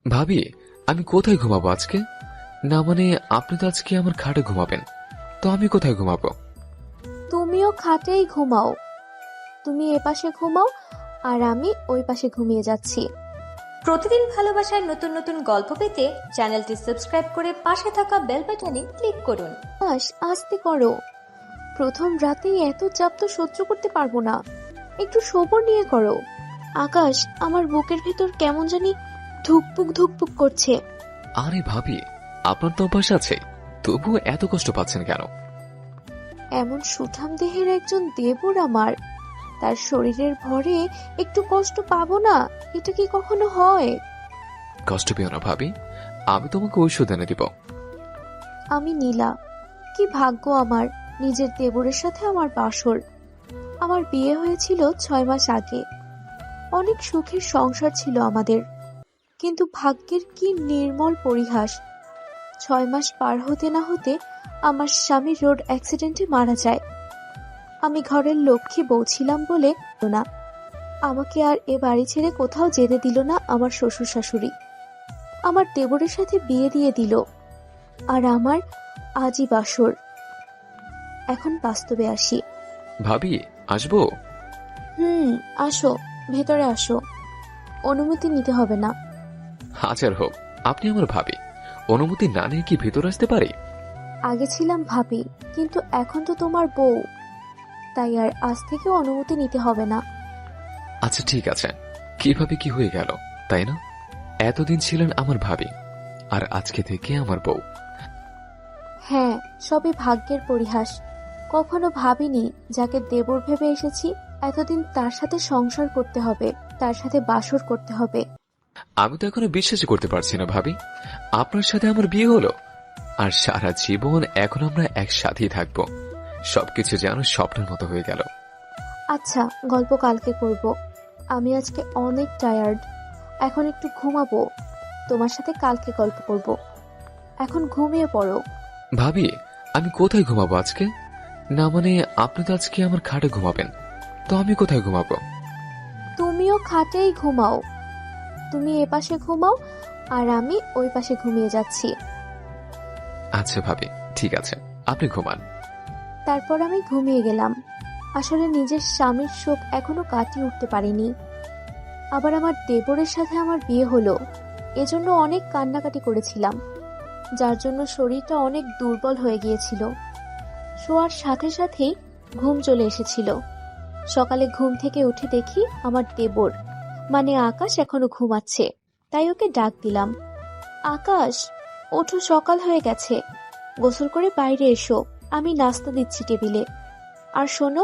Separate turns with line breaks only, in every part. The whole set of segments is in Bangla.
ভাবি, আমি কোথায় ঘুমাবো আজকে? না মানে আপনি তো আজকে আমার খাটে ঘুমাবেন, তো আমি কোথায় ঘুমাবো?
তুমিও খাটেই ঘুমাও। তুমি এ পাশে ঘুমাও আর আমি ওই পাশে ঘুমিয়ে যাচ্ছি।
প্রতিদিন ভালোবাসার নতুন নতুন গল্প পেতে চ্যানেলটি সাবস্ক্রাইব করে পাশে থাকা বেল বাটনে ক্লিক করুন।
আস্তে করো। প্রথম রাতেই এত চাপ তো সহ্য করতে পারবো না। একটু সবর নিয়ে করো। আকাশ, আমার বুকের ভেতর কেমন জানি ধুকপুক ধুকপুক করছে।
আরে ভাবি, আপনার তো অভ্যাস আছে, তবুও এত কষ্ট পাচ্ছেন কেন?
এমন সুঠাম দেহের একজন দেবর আমার, তার শরীরের ভরে একটু কষ্ট পাবো না? এটা কি কখনো হয়?
কষ্ট পেও না ভাবি, আমি তোমাকে ঔষধ এনে দিব।
আমি নীলা। কি ভাগ্য আমার, নিজের দেবরের সাথে আমার বাসর। আমার বিয়ে হয়েছিল 6 মাস আগে। অনেক সুখের সংসার ছিল আমাদের, কিন্তু ভাগ্যের কি নির্মল পরিহাস। 6 মাস পার হতে না হতে আমার স্বামী রোড অ্যাক্সিডেন্টে মারা যায়। আমি ঘরের লক্ষ্মী বউ ছিলাম বলে না, আমাকে আর এ বাড়ি ছেড়ে কোথাও যেতে দিল না আমার শ্বশুর শাশুড়ি। আমার দেবরের সাথে বিয়ে দিয়ে দিল, আর আমার আজই বাসর। এখন বাস্তবে আসি।
ভাবি, আসবো?
আসো, ভেতরে আসো। অনুমতি নিতে হবে না।
হাজার হোক, আপনি আমার ভাবি, অনুমতি না নিয়ে কি ভেতর আসতে পারি?
আগে ছিলাম ভাবি, কিন্তু এখন তো তোমার বউ, তাই আর আজ থেকে অনুমতি নিতে হবে না।
আচ্ছা ঠিক আছে, কিভাবে কি হয়ে গেল, তাই না? এতদিন ছিলেন আমার ভাবি, আর আজকে থেকে আমার বউ।
হ্যাঁ, সবই ভাগ্যের পরিহাস। কখনো ভাবিনি যাকে দেবর ভেবে এসেছি এতদিন তার সাথে সংসার করতে হবে, তার সাথে বাসর করতে হবে।
আমি তো এখনো বিশ্বাসই করতে পারছি না ভাবি, আপনার সাথে আমার বিয়ে হলো, আর সারা জীবন এখন আমরা একসাথেই থাকবো। সবকিছু যেন স্বপ্নের মতো হয়ে গেল।
আচ্ছা, গল্প কালকে করব। আমি আজকে অনেক টায়ার্ড, এখন একটু ঘুমাবো। তোমার সাথে কালকে গল্প করব। এখন ঘুমিয়ে পড়ো।
ভাবি, আমি কোথায় ঘুমাবো আজকে? না মানে আপনি তো আজকে আমার খাটে ঘুমাবেন, তো আমি কোথায় ঘুমাবো?
তুমিও খাটেই ঘুমাও। তুমি এ পাশে ঘুমাও আর আমি ওই পাশে ঘুমিয়ে যাচ্ছি।
আচ্ছা ভাবি, ঠিক আছে, আপনি ঘুমান।
তারপর আমি ঘুমিয়ে গেলাম। আসলে নিজের স্বামীর শোক এখনো কাটিয়ে উঠতে পারিনি। আবার আমার দেবরের সাথে আমার বিয়ে হলো, এজন্য অনেক কান্নাকাটি করেছিলাম, যার জন্য শরীরটা অনেক দুর্বল হয়ে গিয়েছিল। শোয়ার সাথে সাথেই ঘুম চলে এসেছিল। সকালে ঘুম থেকে উঠে দেখি আমার দেবর মানে আকাশ এখনো ঘুমাচ্ছে, তাই ওকে ডাক দিলাম। আকাশ, ওঠো, সকাল হয়ে গেছে। গোসল করে বাইরে এসো, আমি নাস্তা দিচ্ছি টেবিলে। আর শোনো,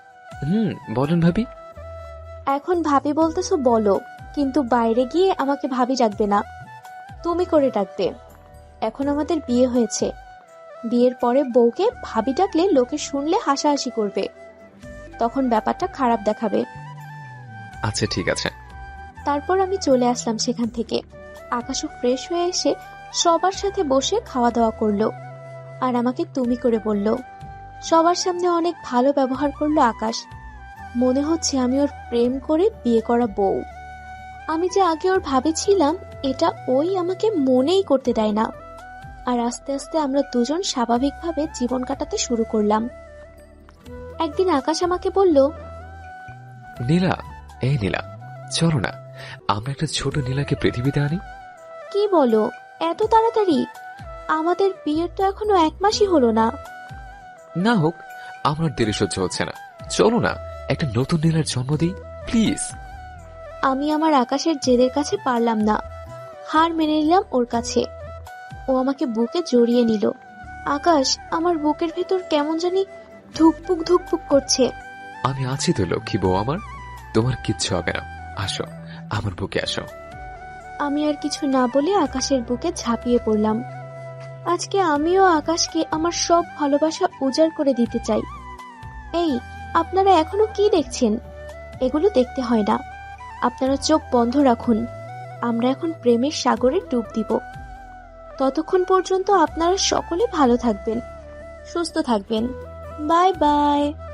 বলেন ভাবি।
এখন ভাবি বলতেছো বলো, কিন্তু বাইরে গিয়ে আমাকে ভাবি ডাকবে না, তুমি করে ডাকবে। এখন আমাদের বিয়ে হয়েছে, বিয়ের পরে বউকে ভাবি ডাকলে লোকে শুনলে হাসাহাসি করবে, তখন ব্যাপারটা খারাপ দেখাবে।
আচ্ছা ঠিক আছে।
তারপর আমি চলে আসলাম সেখান থেকে। আকাশও ফ্রেশ হয়ে এসে সবার সাথে বসে খাওয়া দাওয়া করলো, আর আমাকে তুমি করে বলল। সবার সামনে অনেক ভালো ব্যবহার করলো আকাশ। মনে হচ্ছে আমি ওর প্রেম করে বিয়ে করা বউ। আমি যে আগে ওর ভাবেছিলাম, এটা ওই আমাকে মনেই করতে দেয় না। আর আস্তে আস্তে আমরা দুজন স্বাভাবিকভাবে জীবন কাটাতে শুরু করলাম। একদিন আকাশ আমাকে বলল,
নীলা, এই নীলা, চলো না আমরা একটা ছোট নীলাকে পৃথিবীতে আনি।
কি বলো, এত তাড়াতাড়ি? আমাদের বিয়ের তো এখনো 1 মাসই হলো না।
না হোক, আমার দেরি সহ্য হচ্ছে না, চলো না একটা নতুন নীলার জন্ম দিই প্লিজ।
আমি আমার আকাশের জেদের কাছে পারলাম না, হার মেনে নিলাম ওর কাছে। ও আমাকে বুকে জড়িয়ে নিল। আকাশ, আমার বুকের ভেতর কেমন জানি ধুকপুক ধুকপুক করছে।
আমি আছি তো লক্ষ্মী বউ আমার, তোমার কিচ্ছু হবে না, আসো আমার বুকে আসো।
আমি আর কিছু না বলে আকাশের বুকে ঝাঁপিয়ে পড়লাম। আজকে আমিও আকাশকে আমার সব ভালোবাসা উজাড় করে দিতে চাই। এই, আপনারা এখনো কি দেখছেন? এগুলো দেখতে হয় না, আপনারা চোখ বন্ধ রাখুন। আমরা এখন প্রেমের সাগরে ডুব দিব। ততক্ষণ পর্যন্ত আপনারা সকলে ভালো থাকবেন, সুস্থ থাকবেন। Bye by.